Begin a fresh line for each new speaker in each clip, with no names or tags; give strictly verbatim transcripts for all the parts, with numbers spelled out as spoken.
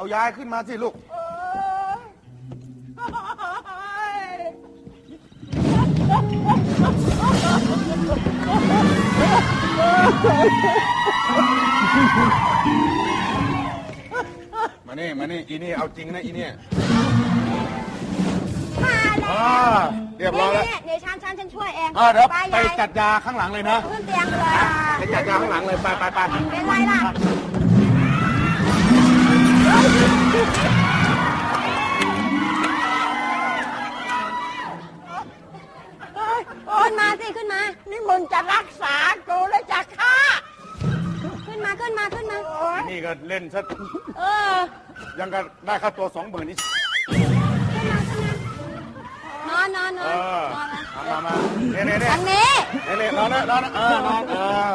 เอายายขึ้นมาสิลูกมานี่มานี่อีนี่เอาจริงนะอีนี่
มาแล้ว
เรียบร้อยแล้ว
เดี๋ยวฉันฉันฉันช่วยเอง
เดี๋ยวไปจัดยาข้างหลังเลยนะ
ขึ้นเตียงเลย
ไปจัดยาข้างหลังเลยไปไปไป
เป็นไรล่ะขึ้นมาสิขึ้นมา
นี่มึงจะรักษากูแล้วจะฆ่า
ขึ้นมาขึ้นมาขึ้นมา
นี่ก็เล่นซะ
เออ
ยังก็ได้ค่าตัวสองหมื่นนี่
นอนนอนนอน
มามาเนี่ยเนี่ยเนี่ย
ทางนี้
เนี่ยเนี่ยนอนนะนอนนะเออนอนเออ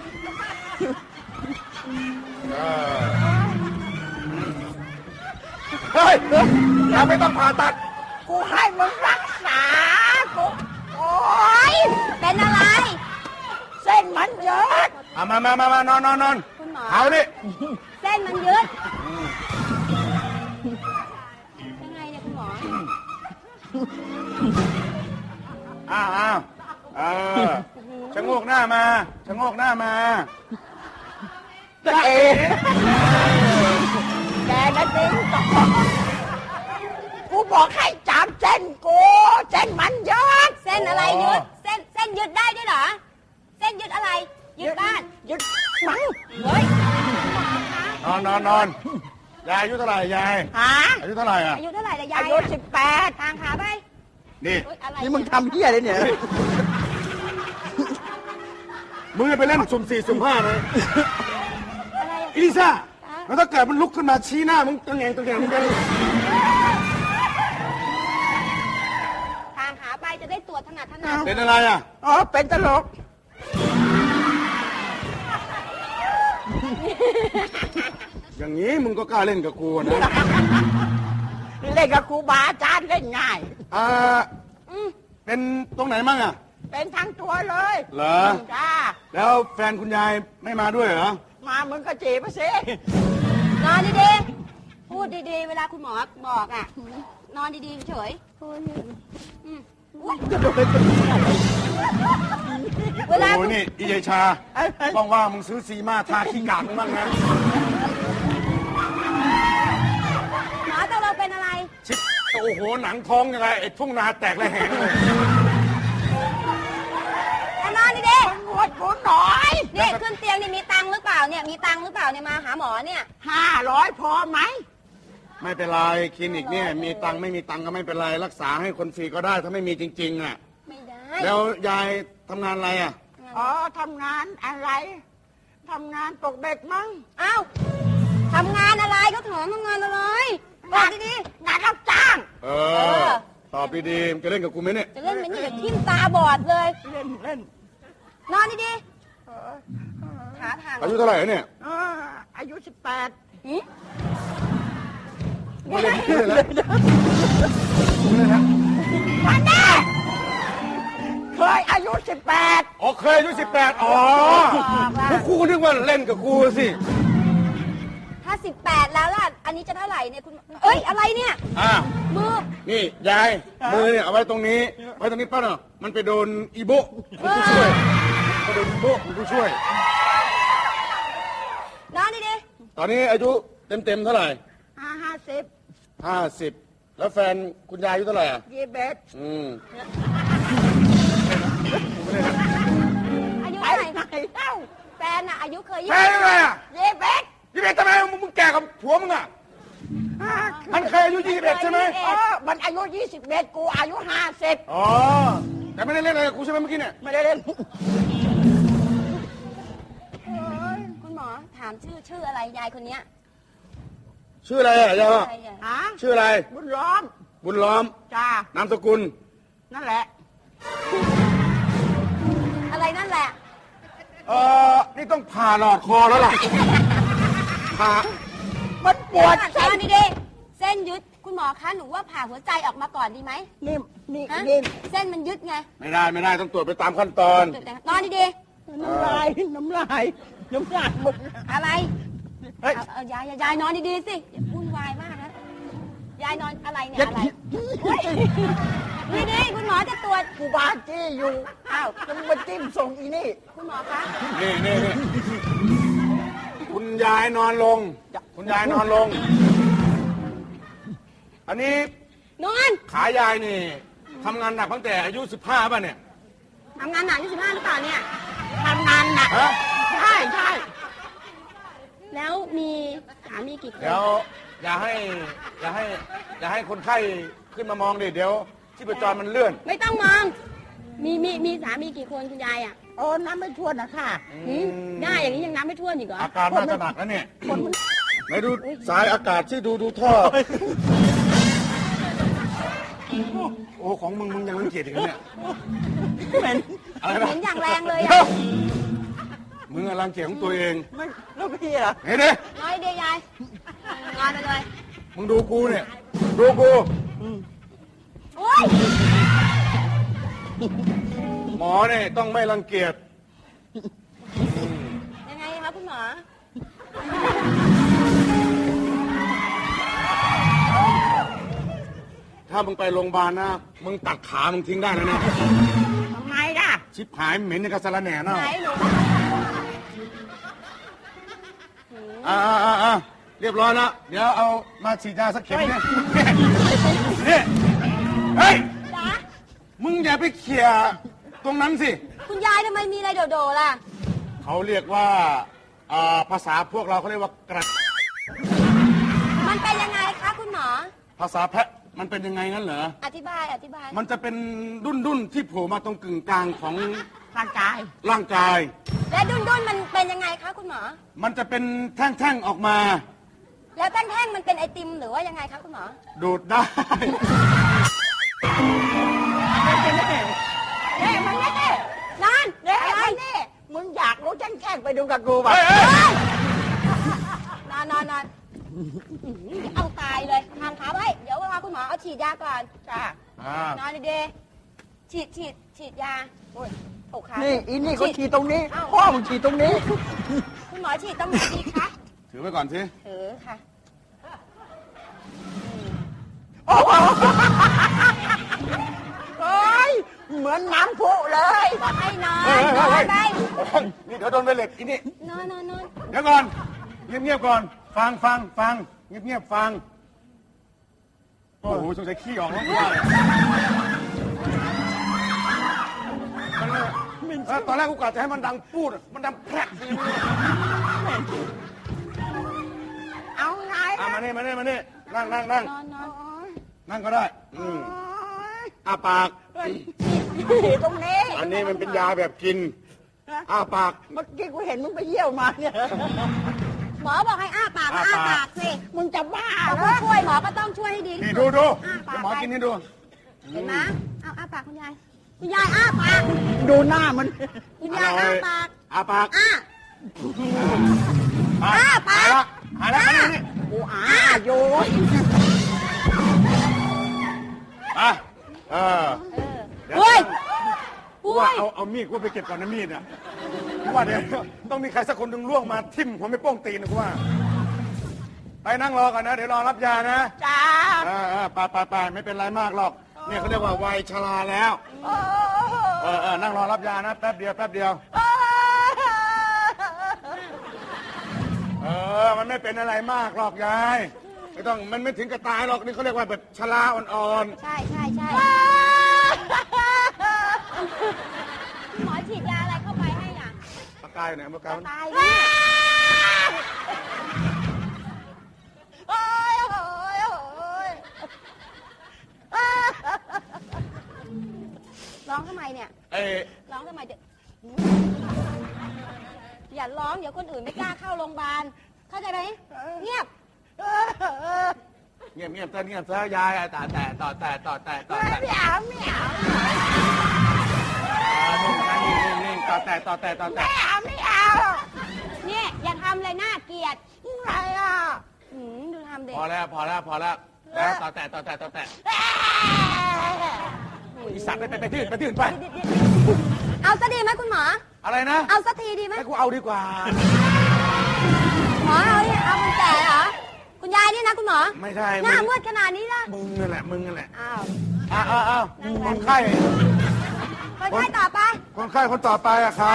เฮ้ยอย่าไม่ต้องผ่าตัด
กูให้มึงรักษากูโอ๊ย
เป็นอะไร
เส้นมันเยอะ
อ่ะมามามามานอนนอนนอนเอาดิ
เส้นมันยืดยังไงเนี่ยคุณหมอ
อ้าวอ้าวเออชะโงกหน้ามาชะโงกหน้ามา
จะเอ๋แกนะจริงต่อกูบอกให้จับเส้นกูเส้นมันเยอะ
เส้นอะไรยืดเส้นเส้นยืดได้ด้วยเหรอเส้นยืดอะไรยืดบ้าน
ยืดมั้ง
เฮ้ย
นอนนอนนอนยายอายุเท่าไหร่ยาย
ฮะ
อายุเท่าไหร่อ่ะ
อายุเท่าไหร่ละยาย
อายุสิบแปด
ทางขาไป
นี่
นี่มึงทำเหี้ยเลยเนี่ย
มึงไปเล่นสุ่มสี่สุ่มห้าเลยอีลิซ่าแล้วถ้าเกิดมันลุกขึ้นมาชี้หน้ามึงตัวแงงตัวแงงมึงจะ
ทางขาไปจะได้ตรวจถนัดถนัด
เป็นอะไรอ่ะ
อ๋อเป็นตลก
อย่างนี้มึงก็กล้าเล่นกับกูนะ
เล่นกับครูบาอาจารย์เล่นง่าย
อ่าเป็นตรงไหนมั่งอ่ะ
เป็นทั้งตัวเลย
เหรอ
จ้า
แล้วแฟนคุณยายไม่มาด้วยเหรอ
มามึงก็จีบไปสิ
นอนดีๆพูดดีๆเวลาคุณหมอบอกอ่ะนอนดีๆเฉย
เวลาโอ้ยนี่อีเยชาว่างๆมึงซื้อซีมาทาขี้กากมึงบ้างนะ
หมอตัวเราเป็นอะไร
ชิบโอ้โหหนังท้องยังไงไอ้ทุ่งนาแตกระแหงเลย
นอนดี
ๆนวดกูหน่อย
นี่ขึ้นเตียงนี่มีตังค์หรือเปล่าเนี่ยมีตังค์หรือเปล่าเนี่ยมาหาหมอเนี่ย
ห้าร้อยพอไหม
ไม่เป็นไรคลินิกเนี่ยมีตังค์ไม่มีตังค์ก็ไม่เป็นไรรักษาให้คนฟรีก็ได้ถ้าไม่มีจริงๆอ่ะ
ไม่ได้
แล้วยายทำงานอะไรอ่ะ
อ๋อทำงานอะไรทำงานตกเด็กมั้ง
อ้าวทำงานอะไรก็ถามทำงานอะไรบอกดี
ๆงานรับจ้าง
เออตอบดีๆจะเล่นกับกูไหมเนี่ย
จะเล่นไหมนี่เดี๋ยวทิ่มตาบอดเลย
เล่นเล่น
นอนดีๆขาทาง
อายุเท่าไหร่เนี่ย
อายุสิบแปด
ไม่เล่นไม่เล่นแล้วไม่เล่นแล้ว
มาแน่เคยอายุสิบแปด
อ๋อเคยอายุสิบแปดอ๋อพวกกูนึกว่าเล่นกับกูสิ
ถ้าสิบแปดแล้วล่ะอันนี้จะเท่าไหร่เนี่ยคุณเอ้ยอะไรเนี่ย
อ่า
มือ
นี่ยายมือเนี่ยเอาไว้ตรงนี้ไว้ตรงนี้ป้าเนาะมันไปโดนอีโบกูช่วยไปโดนอีโบกูช่วย
นอนดี
ๆตอนนี้อายุเต็มเต็มเท่าไหร่
ห้าห้าสิบ
ห้าสิบแล้วแฟนคุณยายอายุเท่าไหร่อ่ะ
ยี่สิบเอ็ด
อืม
อายุเท่าไหร่
เอ้า
แฟนอะอายุเคยยี่
สิบแฟนอะไรอ่ะ
ยี่สิบเอ็ด
ยี่สิบเอ็ดทำไมมึงแก่กับผัวมึงอ่ะมันเคยอายุยี่สิบเอ็ดใช่ไหม
อ๋อมันอายุยี่สิบเอ็ดกูอายุห้าสิบ
อ๋อแต่ไม่ได้เล่นอะไรกับกูใช่ไหมเมื่อกี้เนี่ย
ไม่ได้เล่น
คุณหมอถามชื่อชื่ออะไรยายคนเนี้ย
ชื่ออะไรอ่ะยาย
ฮะ
ชื่ออะไร
บุญล้อม
บุญล้อม
จ้าน
ามสกุล
นั่นแหละ
อะไรนั่นแหละ
เออนี่ต้องผ่าหลอดคอแล้วล่ะผ่า
มันปวด
เส้นดีๆเส้นยึดคุณหมอคะหนูว่าผ่าหัวใจออกมาก่อนดีไหม
นี่นี่นี่
เส้นมันยึดไง
ไม่ได้ไม่ได้ต้องตรวจไปตามขั้นตอน
นอนดี
ๆน้ำลายน้ำลายน้ำลายหมด
อะไรเฮ้ยยายยายนอนดีๆสิอย่าวุ่นวายยายนอนอะไรเนี่ยอะไรนี่นี่คุณหมอจะตรวจ
กูบาจี้อยู่อ้าวจะมาจิ้มส่งอีนี่
คุณหมอคะ
นี่นี่นี่คุณยายนอนลง คุณยายนอนลง อันนี้
นอน
ขายายนี่ทำงานหนักตั้งแต่อายุสิบห้าป่ะเนี่ย
ทำงานหนักยี่สิบห้าหรือเปล่าเนี่ย
ทำงานหนัก
ฮะ
ใช่ใช่
แล้วมีสามีกี่คน
เดี๋ยวอย่าให้อย่าให้อย่าให้คนไข้ขึ้นมามองดิเดี๋ยวที่ประจรมันเลื่อน
ไม่ต้องมอง มีมีมีสามีกี่คนคุณยายอ่ะ
โอ้น้ำไม่ท่วนนะค่ะ
หืมได้อย่างนี้ยังนับไม่ถ้วนอีกเหรอ
อาการน่าจะหนักแล้วเนี่ย
คนมัน
ไหนดูสายอากาศที่ดูดูท่อ โอ้ของมึงมึงยังรังเกียจอีกแล้วเนี่ย
เหม็น
อะไร
เห็
นะ
นอย่างแรงเลย
เดี๋ย
อ่ะ
วมึงอะรังเกียจของตัวเอง
ไม่แล้วพี่อะ
เห็นดิ
น้อยเดียวยายนอนไปเลย
มึงดูกูเนี่ย ดูกู
โอ๊ย
หมอเนี่ยต้องไม่รังเกียจ
ยังไงคะคุณหมอ
ถ้ามึงไปโรงพยาบาลนะ มึงตัดขามึงทิ้งได้แล้วนะ
ทำไมล่ะ
ชิบหายเหม็นในกระสาระแหน่เน่า
ไหนหนู
อ่าอ่าอ่าเรียบร้อยแล้วเดี๋ยวเอามาฉีดยาสักเข็มเนี่ยนี่เฮ้ย
จ๊ะ
มึงอย่าไปเขี่ยตรงนั้นสิ
คุณยายทำไมมีอะไรโดดๆล่ะ
เขาเรียกว่าอ่าภาษาพวกเราเขาเรียกว่ากระด
มันเป็นยังไงคะคุณหมอ
ภาษาแพะมันเป็นยังไงงั้นเหรอ
อธิบายอธิบาย
มันจะเป็นดุนดุนๆที่โผล่มาตรงกึ่งกลางของ
ร่างกาย
ร่างกาย
และดุนดุนๆมันเป็นยังไงคะคุณหมอ
มันจะเป็นแท่งๆออกมา
แล้วแท่งๆมันเป็นไอติมหรือว่ายังไงคะคุณหมอ
ดูดได้
เฮ้ยมันนี่
นั่น
เฮ้ย
อะไร
มันนี่มึงอยากรู้แจ้งๆไปดูกับกูป่ะ
เฮ้ยเฮ้ย
นอนนอนนอนเอาตายเลยทางขาไว้ เดี๋ยวรอคุณหมอเอาฉีดยาก่อน
จ้า
อ่าน
อนดีๆฉีดฉีดฉีดยาโอ้ยตกขา
นี่อีนี่ก็
ฉี
ฉี
ด
ดตรงนี้ พ่อมึงฉีดตรงนี้
คุณหมอฉีดตรงไหนดีคะ
ถือไว้ก่อนสิ
เออค่ะ
โอ้โหโอ้ยเหมือนน้ำพุเลย
บอกให้นอน
เฮ้ย
น
เฮ้
อย น
เฮ้ย
ไป
โอ้ยนี่เดี๋ยวโดนไปเหล็กอีนี่
นอนนอนนอน
เดี๋ยวก่อน เงียบๆก่อน ฟังฟังฟังเงียบๆฟัง โอ้โหสงสัยขี้ออกแล้วว่าเลยมันเนี่ยเออตอนแรกกูกะจะให้มันดังพูด มันดังแพรกสิ
เอาไง
อ่ะมานี่มานี่มานี่นั่งนั่งนั่ง
นอนนอน
นั่งก็ได้ อืมอ้าปาก
ฉีดตรงนี้
อันนี้มันเป็นยาแบบกิน อ้าปาก
เมื่อกี้กูเห็นมึงไปเยี่ยวมาเนี่ย
หมอบอกให้อ้าปากก็
อ้า
อ้า
ปาก
ปากสิ
มึงจะบ้า
เอา
เหร
ผู้
อ
ช่วยหมอก็ต้องช่วยให้ดี
นี่
ที่
ดู
สุด
ดู
อ้าปาก
หมอกินนี่ดู
เห็นไหมเอาอ้าปากคุณยาย คุณยายอ้าปาก
ดูหน้ามัน
คุณยายอ้าปาก
อ้าปาก
อ้า อ้าปาก
หายแล้วหายแล้วมานี่
กูอาโยน
อ่ะเออ
เฮ้ย
กูว่าเอาเอามีดกูไปเก็บก่อนนะมีดอ่ะกูว่าเดี๋ยวต้องมีใครสักคนหนึ่งล่วงมาทิ่มผมไม่โป้งตีนนะกูว่า ไปนั่งรอก่อนนะ เดี๋ยวรอรับยานะ
จ้า
เออเออไปไปไปไม่เป็นไรมากหรอก เนี่ยเขาเรียกว่าวัยชราแล้ว
โอ้
เออเออนั่งรอรับยานะแป๊บเดียวแป๊บเดียว เออ มันไม่เป็นอะไรมากหรอกยาย ไม่ต้อง มันไม่ถึงกับตายหรอก นี่เขาเรียกว่าแบบชราอ่อน
ใช่ใช่ใช่หมอฉีดยาอะไรเข้าไปให้อ่ะ
ๆปากกายอยู่ไหนปากกายมัน
ตายเนี่ย
โอ้ยโอ้ยโอ้ย
ร้องทำไมเนี่ย
เอ้ย
ร้องทำไมเด็กอย่าร้องเดี๋ยวคนอื่นไม่กล้าเข้าโรงพยาบาล เข้าใจไหมเงียบ
เงียบเงียบเต้นเงียบซะยายอ่ะต่อแต่ต่อแต่ต่อแต่ต่อแต่
ไม่เอาไม่เอา
นิ่งนะนิ่งนิ่งต่อแต่ต่อแต่ต่อแต่
ไม่เอาไม่เอา
เนี่ยอย่าทำเลยน่าเกลียด
อะไรอ่ะ
หืมดูทำเด็ก
พอแล้วพอแล้วพอแล้วแล้วต่อแต่ต่อแต่ต่อแต่อีสัตว์ไปไปไปที่อื่นไปที่อื่นไป
เอาซะดีไหมคุณหมอ
อะไรนะ
เอาสักทีดีไหม
ให้กูเอาดีกว่า
หมอเอาเนี่ยเอาคนแก่เหรอ คคุณยายนี่นะคุณหมอ
ไม่ใช่
หน้ามืดขนาดนี้ล่ะ
มึงนั่นแหละมึงนั่นแหละ
อ้าว
อ้าวอ้าวอ้าวคนไข้
คนไข้ต่อไป
คนไข้คนต่อไปอะใคร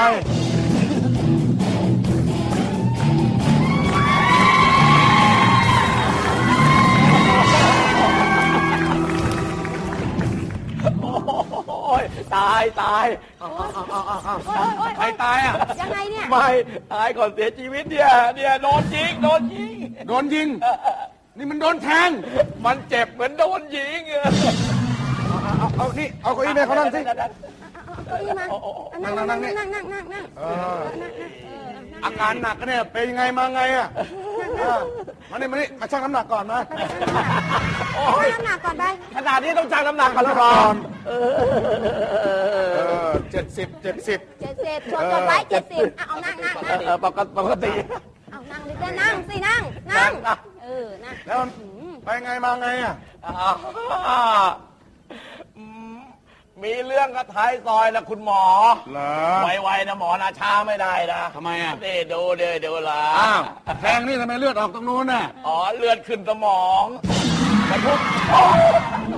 โอ้ยตายตาย
โอ๊ยโอ๊ยโอ๊ย
ใครตายอะ
ยังไงเนี่ย
ไม่ตายก่อนเสียชีวิตเนี่ยเนี่ยโดนยิงโดนยิง
โดนยิง นี่มันโดนแทง
มันเจ็บเหมือนโดนยิง
เอาเอานี่เอาเก้าอี้ไปเขานั่งสิ
เอาเก้าอี้มานั่งนั่งนั่งนั่งนั่งนั่งนั่ง
เอออาการหนักก็เนี่ยเป็นยังไงมาไงอะเออมานี่มานี่มาชั่งน้ำหนักก่อนมา
เอาน้ำหนักก่อนไป
ขนาดนี้ต้องชั่งน้ำหนักก่อนแล้วก่อน
เออเจ็ดสิบเจ็ดสิบ
เจ็ดสิบชวนกันไว้เจ็ดสิบเอานั่งนั่งนั่ง
เออปกติปกติ
เอานั่งดิจะนั่งสินั่งนั่งเออนั่ง
แล้วไปไงมาไงอะ
อ่าอืมมีเรื่องกับท้ายซอยนะคุณหมอ
เหรอ
ไวๆนะหมอนะช้าไม่ได้นะ
ทำไมอ่ะ
นี่ดูเดี๋ยวเดี๋ยวละ
อ้าวแทงนี่ทำไมเลือดออกตรงนู้นน่ะ
อ๋อเลือดขึ้นสมองกระทุกโอ้ย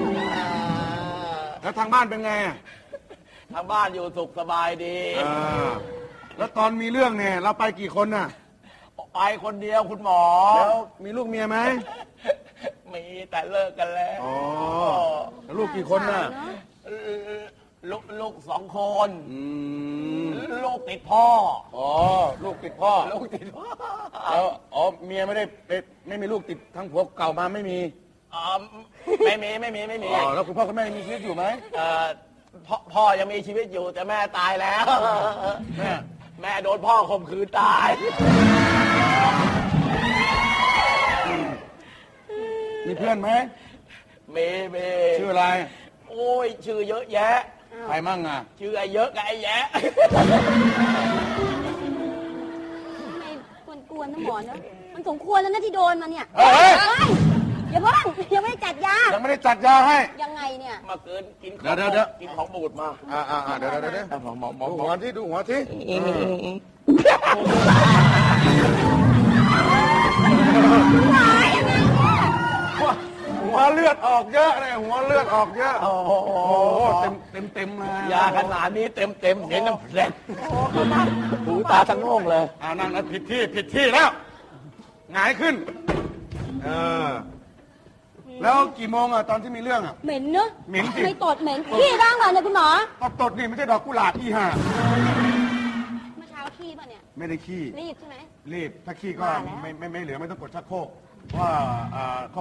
แล้วทางบ้านเป็นไงอะ
ทางบ้านอยู่สุขสบายดี
เออแล้วตอนมีเรื่องเนี่ยเราไปกี่คนน่ะ
ไปคนเดียวคุณหมอ
แล้วมีลูกเมียไหม
มีแต่เลิกกันแล้ว
อ๋อแล้วลูกกี่คนน่ะ
ลูกลูกสองคน
อืม
ลูกติดพ่อ
อ๋อลูกติดพ่อ
ลูกติดพ่อ
แล้วอ๋อเมียไม่ได้ไม่ไม่มีลูกติดทั้งผัวเก่ามาไม่มี
อ๋อไม่มีไม่มีไม่มี
อ๋อแล้วคุณพ่อคุณแม่ยังมีชีวิตอยู่ไหม
เอ่อพ่อพ่อยังมีชีวิตอยู่แต่แม่ตายแล้ว
แม่
แม่โดนพ่อข่มขืนตาย
มีเพื่อนไหม
เมเม
ชื่ออะไร
โอ้ยชื่อเยอะแยะ
ใครมั่งอ่ะ
ชื่อไอ้เยอะกับไอ้แยะ
ไม่ควรกวนนะหมอเนอะมันสมควรแล้วนะที่โดนมาเนี่ย
เฮ้ย
เฮ้ยอย่าเพิ่งยังไม่ได้จัดยา
ยังไม่ได้จัดยาให้
ยังไงเนี่ย
มาเกินกินของ
เดี๋ยวเดี๋ยว
กินของบูดมา
อ่าอ่าอ่าเดี๋ยวเดี๋ยวเดี๋ยว
หมอหมอหมอ
ดู
หมอ
หัวที่ดูหัวที่หัวเลือดออกเยอะเลยหัวเลือดออกเยอะ
โอ้โห
โอ้โหเต็มเต็มเต็มเลย
ยาขนาดนี้เต็มเต็มๆเสียงน้ำแข็งหูตาทั้งโล่งเลย
อ่านั่งนะผิดที่ผิดที่แล้วหงายขึ้นเออแล้วกี่โมงอ่ะตอนที่มีเรื่องอ่ะ
เหม็นเนอะ
เหม็นสิ
ไม่ตดเหม็นขี้บ้างเหรอเนี่ยคุณหมอ
ตดตดนี่ไม่ใช่ดอกกุหลาบอีห่า
เมื่อเช้าขี้ป่ะเนี่ย
ไม่ได้ขี้
รีบใช่ไหม
รีบถ้าขี้ก็
ว่าแล้ว
ไม่ไม่ไม่เหลือไม่ต้องกดชักโครกเพราะว่าอ่า